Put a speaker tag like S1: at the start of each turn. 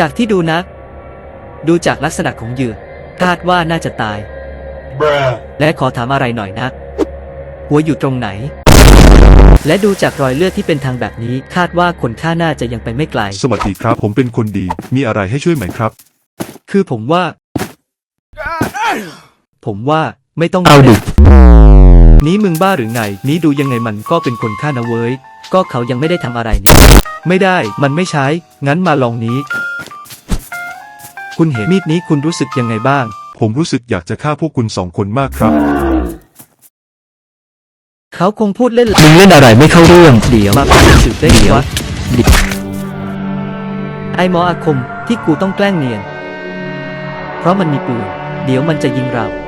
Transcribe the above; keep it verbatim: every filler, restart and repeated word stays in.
S1: จากที่ดูนะ ดูจากลักษณะของเหยื่อคาดว่าน่าจะตาย และขอถามอะไรหน่อยนะ หัวอยู่ตรงไหน และดูจากรอยเลือดที่เป็นทางแบบนี้คาดว่าคนฆ่าน่าจะยังไปไม่ไกล
S2: สวัสดีครับผมเป็นคนดีมีอะไรให้ช่วยไหมครับ
S1: คือผมว่า ผมว่าไม่ต้อง
S3: เอาดิ
S1: นี้มึงบ้าหรือไง นี้ดูยังไงมันก็เป็นคนฆ่านะเว้ย ก็เขายังไม่ได้ทำอะไรนี่ ไม่ได้มันไม่ใช้ งั้นมาลองนี้ คุณเห็นมีดนี้คุณรู้สึกยังไงบ้าง
S2: ผมรู้สึกอยากจะฆ่าพวกคุณสองคนมากครับ
S1: เขาคงพูดเล่น
S3: มึงเล่นอะไรไม่เข้าเรื่อง
S1: เดี๋ยวมาเป็นสืบได้
S3: เดี๋ยว
S1: วะไอหมออาคมที่กูต้องแกล้งเนียน เพราะมันมีปืน เดี๋ยวมันจะยิงเรา